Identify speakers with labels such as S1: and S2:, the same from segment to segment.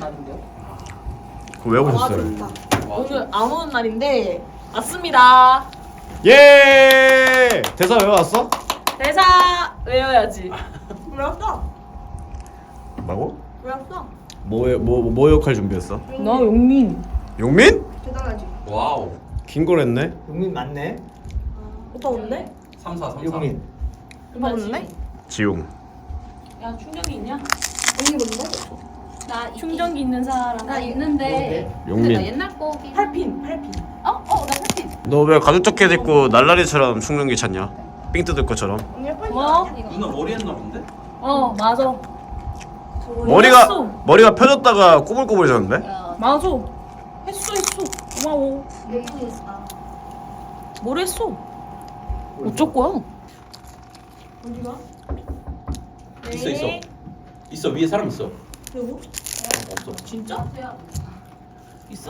S1: 날인데요?
S2: 그거 왜 오셨어요?
S1: 오늘 안 오는 날인데 왔습니다.
S2: 예! 대사 외워왔어?
S1: 대사 외워야지.
S3: 외웠어.
S2: 뭐고?
S3: 외웠어.
S2: 뭐 역할 준비했어?
S1: 나 용민.
S2: 용민?
S3: 대단하지.
S4: 와우.
S2: 긴 걸 했네.
S5: 용민 맞네.
S1: 오빠 온대?
S4: 34.
S5: 용민.
S1: 오빠 온대?
S2: 지용.
S1: 야 충전기 있냐?
S3: 언니 뭔데?
S6: 나
S1: 충전기 있는 사람.
S6: 나 있는데
S2: 용민.
S6: 나 옛날 거긴
S1: 8핀.
S6: 나 8핀
S2: 너 왜 가죽 자켓 입고 날라리처럼 충전기 찾냐? 삥 뜯을 것처럼.
S1: 뭐?
S4: 누나 머리 했나 본데?
S1: 어 맞아.
S2: 머리가 펴졌다가 꼬불꼬불해졌는데?
S1: 맞아. 했어. 고마워.
S6: 예쁘겠다.
S1: 뭘 했어? 어쩔 거야?
S3: 어디가?
S4: 있어. 있어 위에 사람 있어.
S3: 누구?
S4: 없어.
S1: 진짜? 있어?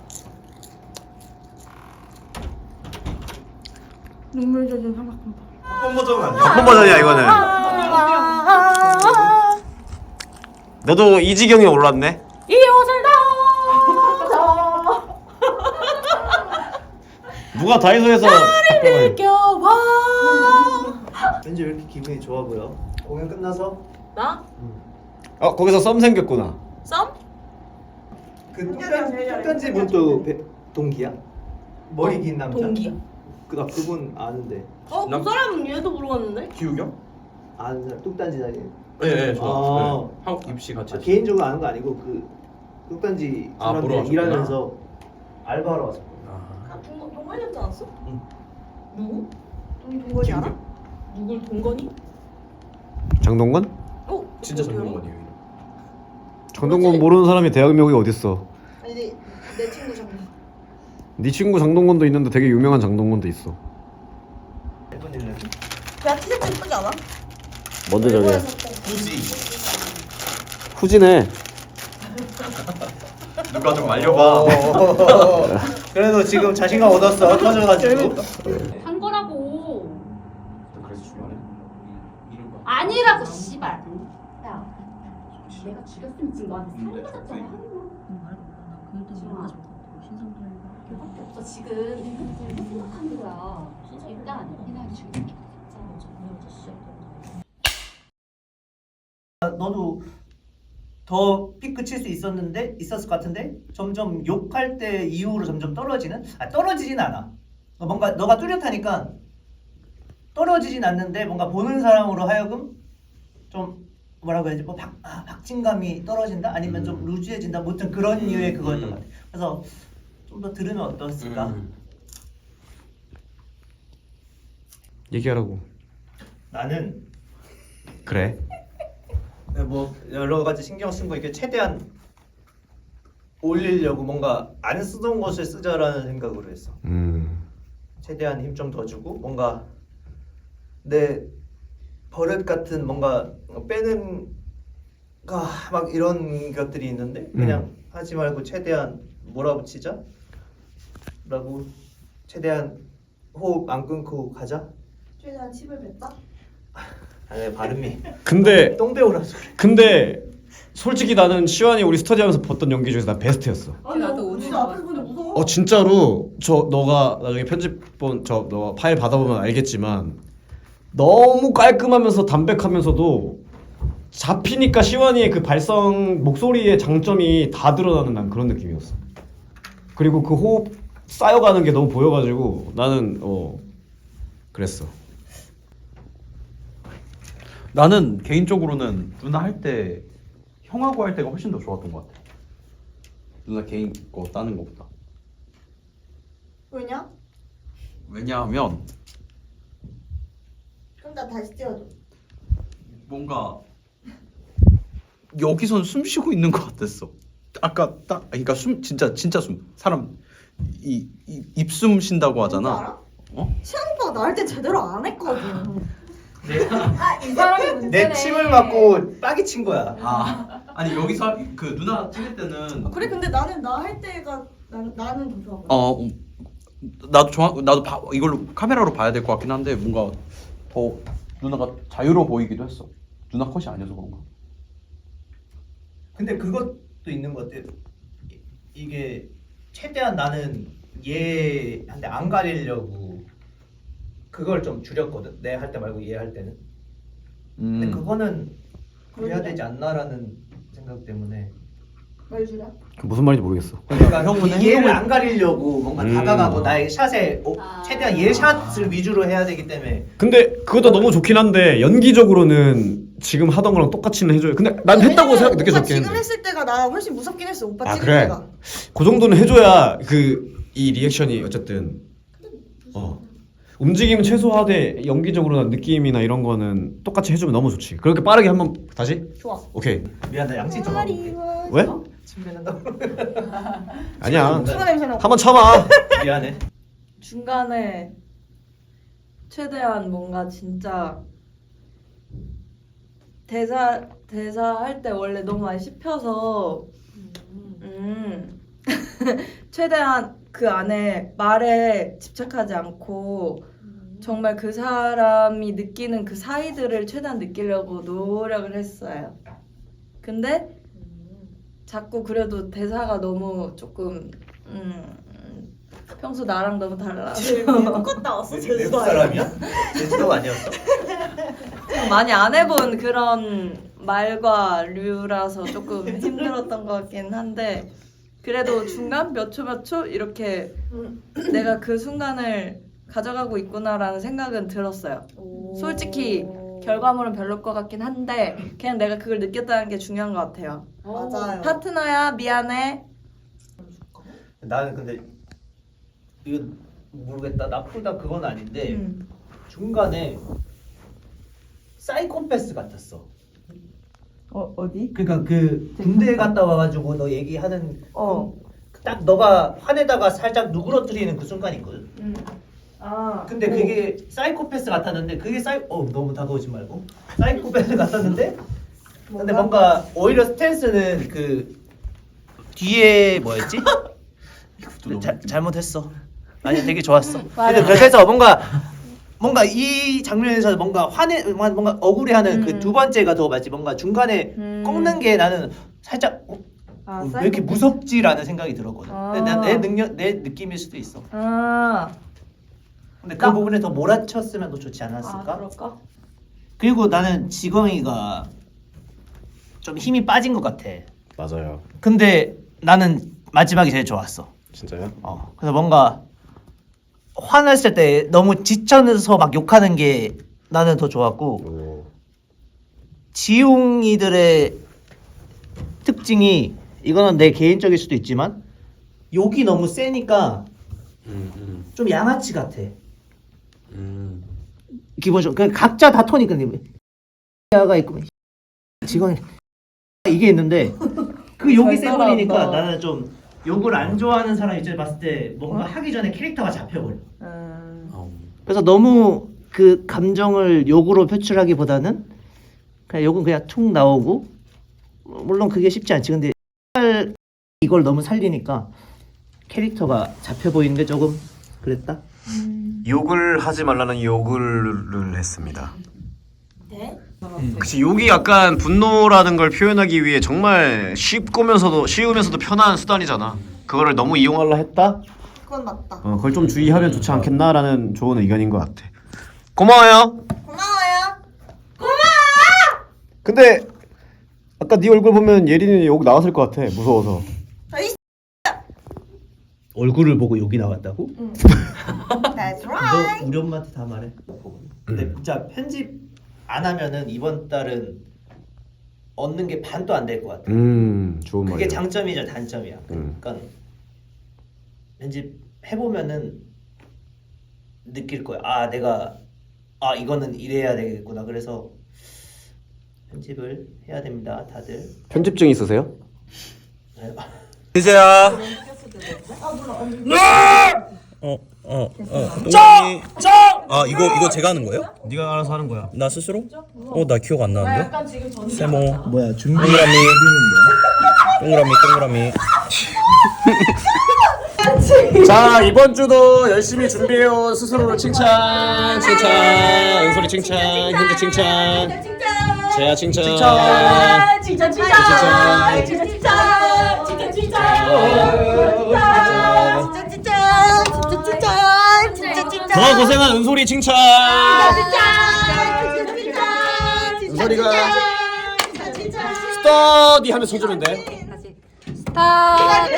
S3: 눈물 젖은 삼각김밥.
S5: 한 버전 아니야?
S2: 한 버전이야 이거는. 너도 이지경에 올랐네.
S1: 이 옷을 다
S2: 누가 다이소에서
S1: 느껴봐.
S5: 왠지 왜 이렇게 기분이 좋아 보여? 공연 끝나서
S1: 나?
S2: 거기서 썸 생겼구나.
S1: 썸?
S5: 그 뚝단지 분도 동기야? 머리 긴 남자?
S1: 동기야.
S5: 나 그분 아는데.
S3: 그 사람은 얘도 물어봤는데?
S4: 기욱이요?
S5: 아는 사람 뚝단지 다니.
S4: 네, 저
S5: 아.
S4: 네. 한국 입시 같이. 했어요.
S5: 개인적으로 아는 거 아니고 그 뚝단지
S4: 아, 보러
S5: 사람들
S4: 왔었구나.
S5: 일하면서 알바하러 왔어.
S4: 아.
S3: 동건이었지 않았어?
S4: 응.
S1: 누구?
S3: 동건이 알아?
S1: 누굴 동건이?
S2: 장동건?
S4: 진짜 전문가이에요.
S2: 장동건 모르는 사람이 대학명이 어딨어?
S3: 아니 내 친구 장난.
S2: 네 친구 장동건도 있는데 되게 유명한 장동건도 있어.
S5: 1분 1년.
S3: 야 티셔츠 예쁘지 않아?
S2: 뭔데 저게?
S4: 굳이
S2: 후지네.
S4: 누가 좀 말려봐.
S5: 그래도 지금 자신감 얻었어. 터져가지고.
S6: 한 거라고.
S4: 그래서 중요하네. 이런 거.
S6: 아니라고 씨발. 야, 내가 죽였으면 지금 너한테 살인 맞았잖아. 그밖에 없어 지금. 이거 생각하는 거야. 일단 이날 죽이는 게
S5: 너도 더 피크 칠 수 있었을 것 같은데 점점 욕할 때 이후로 점점 떨어지는? 떨어지진 않아. 뭔가 너가 뚜렷하니까 떨어지진 않는데 뭔가 보는 사람으로 하여금 좀 뭐라고 해야지 뭐 박진감이 떨어진다 아니면 좀 루즈해진다 무튼 그런 이유의 그거였던 것 같아. 그래서 좀 더 들으면 어떻을까?
S2: 얘기하라고.
S5: 나는
S2: 그래.
S5: 뭐 여러 가지 신경 쓴 거 이게 최대한 올리려고 뭔가 안 쓰던 것을 쓰자라는 생각으로 했어. 최대한 힘 좀 더 주고 뭔가 내 버릇 같은 뭔가 빼는 막 이런 것들이 있는데 그냥 하지 말고 최대한 몰아붙이자 라고 최대한 호흡 안 끊고 가자.
S3: 최대한 칩을 뱉다?
S5: 아니 발음이
S2: 근데
S5: 똥 배우라서 그래.
S2: 근데 솔직히 나는 시완이 우리 스터디하면서 봤던 연기 중에서 난 베스트였어.
S3: 아니 나도 진짜 앞에서 보는데 무서워.
S2: 진짜로 너가 나중에 편집본 너 파일 받아보면 알겠지만 너무 깔끔하면서 담백하면서도 잡히니까 시완이의 그 발성 목소리의 장점이 다 드러나는 난 그런 느낌이었어. 그리고 그 호흡 쌓여가는 게 너무 보여가지고 나는 그랬어.
S4: 나는 개인적으로는 누나 할 때 형하고 할 때가 훨씬 더 좋았던 것 같아. 누나 개인 거 따는 것보다.
S3: 왜냐?
S4: 왜냐하면
S3: 그럼 나 다시 찍어줘.
S4: 뭔가 여기선 숨 쉬고 있는 것 같았어. 아까 딱 그러니까 진짜 숨 사람 이 입숨 쉰다고 하잖아.
S3: 뭔지 알아?
S4: 어?
S3: 시안 오빠가 나 할 때 제대로 안 했거든.
S6: 이 사람이 문제네.
S5: 내 침을 맞고 빡이 친 거야.
S4: 아니 여기서 그 누나 찍을 때는
S3: 그래 근데 나는 나 할 때가 나는 더 좋아.
S4: 나도 이걸로 카메라로 봐야 될 것 같긴 한데 뭔가 더 누나가 자유로워 보이기도 했어. 누나 컷이 아니어서 그런가?
S5: 근데 그거 있는 것 같아. 이게 최대한 나는 얘한테 안 가리려고 그걸 좀 줄였거든. 내 할 때 말고 얘 할 때는. 근데 그거는 그래야 되지 않나라는 생각 때문에.
S3: 말 줄여?
S2: 무슨 말인지 모르겠어.
S5: 그러니까
S4: 형은
S5: 얘를 안 가리려고 뭔가 다가가고 나의 샷에
S6: 아.
S5: 최대한 얘 샷을 위주로 해야 되기 때문에.
S2: 근데 그것도 너무 좋긴 한데 연기적으로는 지금 하던 거랑 똑같이는 해줘요. 근데 난 했다고
S3: 왜냐면
S2: 느껴졌긴
S3: 오빠 지금
S2: 했는데.
S3: 했을 때가 나 훨씬 무섭긴 했어. 오빠
S2: 아
S3: 찍을
S2: 그래.
S3: 때가.
S2: 그 정도는 해줘야 이 리액션이 어쨌든 움직임은 최소화돼. 연기적으로 느낌이나 이런 거는 똑같이 해주면 너무 좋지. 그렇게 빠르게 한번 다시?
S3: 좋아.
S2: 오케이.
S5: 미안 나 양치 좀 하고 올게.
S2: 왜?
S5: 침 뱉는다고.
S2: 아니야.
S3: 추가 냄새 나.
S2: 한번 참아.
S5: 미안해.
S7: 중간에 최대한 뭔가 진짜 대사 할 때 원래 너무 많이 씹혀서 최대한 그 안에 말에 집착하지 않고 정말 그 사람이 느끼는 그 사이들을 최대한 느끼려고 노력을 했어요. 근데 자꾸 그래도 대사가 너무 조금 평소 나랑 너무 달라서
S3: 똑같다 왔어.
S5: 외국
S3: 제주도
S5: 사람이야? 제주도 아니었어?
S7: 많이 안 해본 그런 말과 류라서 조금 힘들었던 것 같긴 한데 그래도 중간 몇 초 이렇게 내가 그 순간을 가져가고 있구나라는 생각은 들었어요. 솔직히 결과물은 별로일 것 같긴 한데 그냥 내가 그걸 느꼈다는 게 중요한 것 같아요.
S3: 맞아요.
S7: 파트너야 미안해.
S5: 나는 근데 이거 모르겠다. 나쁘다 그건 아닌데 중간에 사이코패스 같았어.
S7: 어디?
S5: 그러니까 그 군대 갔다 와가지고 너 얘기하는
S7: 어.
S5: 딱 너가 화내다가 살짝 누그러뜨리는 그 순간이 있거든.
S7: 아.
S5: 근데 그게 사이코패스 같았는데 그게 너무 다가오지 말고 사이코패스 같았는데 근데 뭔가 오히려 스탠스는 그 뒤에 뭐였지? 잘못했어. 아니 되게 좋았어. 근데 그래서 뭔가 이 장면에서 뭔가 뭔가 억울해하는 그 두 번째가 더 맞지. 뭔가 중간에 꺾는 게 나는 살짝 왜 이렇게 무섭지라는 생각이 들었거든. 근데 내 느낌일 수도 있어.
S7: 아.
S5: 근데 그 부분에 더 몰아쳤으면 더 좋지 않았을까?
S7: 그럴까?
S5: 그리고 나는 지광이가 좀 힘이 빠진 것 같아.
S2: 맞아요.
S5: 근데 나는 마지막이 제일 좋았어.
S2: 진짜요?
S5: 그래서 뭔가 화냈을 때 너무 지쳐서 막 욕하는 게 나는 더 좋았고 지웅이들의 특징이 이거는 내 개인적일 수도 있지만 욕이 너무 세니까 좀 양아치 같아. 기본적으로 각자 다 톤이 근데 야가 있고 지금 이게 있는데 그 욕이 세 버리니까 나는 좀 욕을 안 좋아하는 사람 입장에 봤을 때 뭔가 하기 전에 캐릭터가 잡혀버려. 그래서 너무 그 감정을 욕으로 표출하기보다는 그냥 욕은 그냥 툭 나오고 물론 그게 쉽지 않지. 근데 이걸 너무 살리니까 캐릭터가 잡혀 보이는데 조금 그랬다.
S2: 욕을 하지 말라는 욕을 했습니다.
S3: 네?
S2: 그치, 욕이 약간 분노라는 걸 표현하기 위해 정말 쉬우면서도 편한 수단이잖아. 그거를 너무 이용하려 했다?
S3: 그건 맞다.
S2: 그걸 좀 주의하면 좋지 않겠나라는 좋은 의견인 것 같아. 고마워요.
S3: 고마워요.
S2: 근데 아까 네 얼굴 보면 예린이 욕 나왔을 것 같아. 무서워서.
S5: 얼굴을 보고 욕이 나왔다고?
S3: That's right.
S5: 너 우리 엄마한테 다 말해. 근데 진짜 편집 안 하면은 이번 달은 얻는 게 반도 안 될 것 같아.
S2: 좋은
S5: 그게
S2: 말이야.
S5: 장점이자 단점이야. 그러니까 편집 해보면은 느낄 거야. 내가 이거는 이래야 되겠구나. 그래서 편집을 해야 됩니다, 다들.
S2: 편집증 있으세요?
S8: 이제야. 이거 제가 하는 거예요?
S2: 네가 알아서 하는 거야.
S8: 나 스스로? 나 기억 안 나는데.
S1: 약간 지금 전
S8: 세모.
S5: 뭐야
S8: 동그라미.
S2: 자, 이번 주도 열심히 준비해온 스스로를 칭찬. 은솔이 칭찬. 현재 칭찬. 재야 칭찬.
S1: 진짜 칭찬.
S2: 더 고생한 은솔이 칭찬. 은솔이가 스터디 하면서 쳐주면 돼.
S7: 스타트.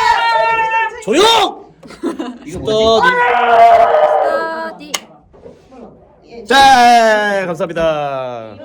S2: 조용. 스터디.
S7: 스타디.
S2: 자, 감사합니다.